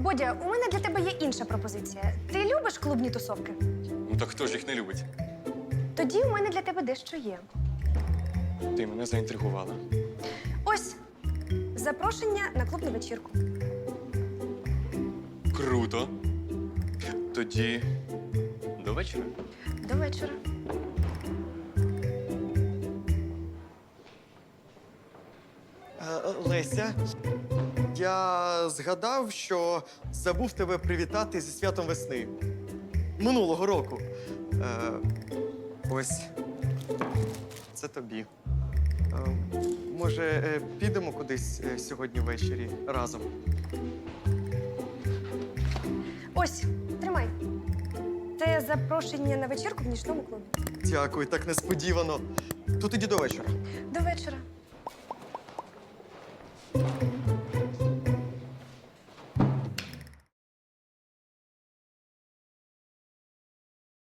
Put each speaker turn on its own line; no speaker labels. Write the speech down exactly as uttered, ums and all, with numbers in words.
Бодя, у мене для тебе є інша пропозиція. Ти любиш клубні тусовки?
Ну так хто ж їх не любить?
Тоді у мене для тебе дещо є.
Ти мене заінтригувала.
Ось запрошення на клубну вечірку.
Круто. Тоді до вечора.
До вечора.
Е, Леся, я згадав, що забув тебе привітати зі святом весни. Минулого року. Е, ось. Це тобі. Е, може, е, підемо кудись е, сьогодні ввечері разом?
Ось, тримай. Це запрошення на вечірку в нічному клубі.
Дякую, так несподівано. То тоді до вечора.
До вечора.